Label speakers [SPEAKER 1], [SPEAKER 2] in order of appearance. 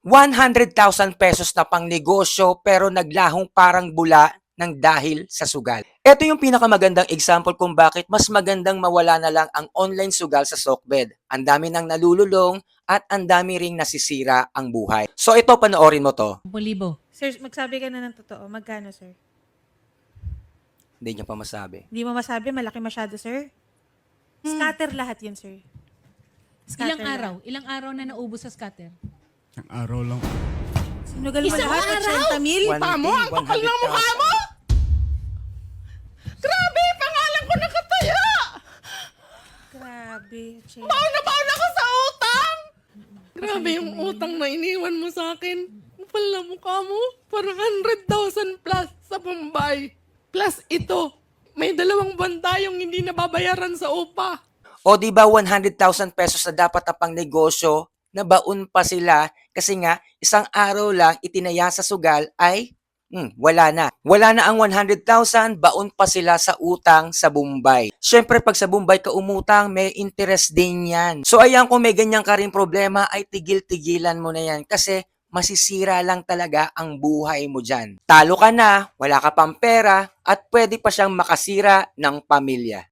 [SPEAKER 1] 100,000 pesos na pang negosyo pero naglahong parang bula ng dahil sa sugal. Ito yung pinakamagandang example kung bakit mas magandang mawala na lang ang online sugal sa Sokbed. Ang dami nang nalululong at ang dami ring nasisira ang buhay. So ito, panoorin mo to.
[SPEAKER 2] 10,000.
[SPEAKER 3] Sir, magsabi ka na ng totoo. Magkano, sir?
[SPEAKER 1] Hindi niya pa masabi.
[SPEAKER 3] Hindi mo masabi, malaki masyado, sir. Scatter lahat yun, sir. Scatter
[SPEAKER 2] Ilang araw? Ilang araw na naubos sa scatter?
[SPEAKER 4] Ang araw lang.
[SPEAKER 3] Sinugal mo
[SPEAKER 2] Isang
[SPEAKER 3] lahat,
[SPEAKER 2] araw?
[SPEAKER 3] 80 mil?
[SPEAKER 1] Mukha mo, ang kapal ng mukha mo!
[SPEAKER 5] Grabe, pangalan ko nakataya!
[SPEAKER 3] Grabe, Che.
[SPEAKER 5] Baon ako sa utang! Grabe yung utang na iniwan mo sa akin. Kapal na mukha mo. Parang 100,000 plus sa Bombay. Plus ito, may 2 buwan tayong hindi nababayaran sa upa.
[SPEAKER 1] O di ba 100,000 pesos na dapat na pang negosyo, nabaon pa sila kasi nga isang araw lang itinaya sa sugal ay wala na. Wala na ang 100,000, baon pa sila sa utang sa Bombay. Siyempre pag sa Bombay ka umutang, may interest din yan. So ayan, kung may ganyan ka rin problema ay tigil-tigilan mo na yan kasi masisira lang talaga ang buhay mo dyan. Talo ka na, wala ka pang pera at pwede pa siyang makasira ng pamilya.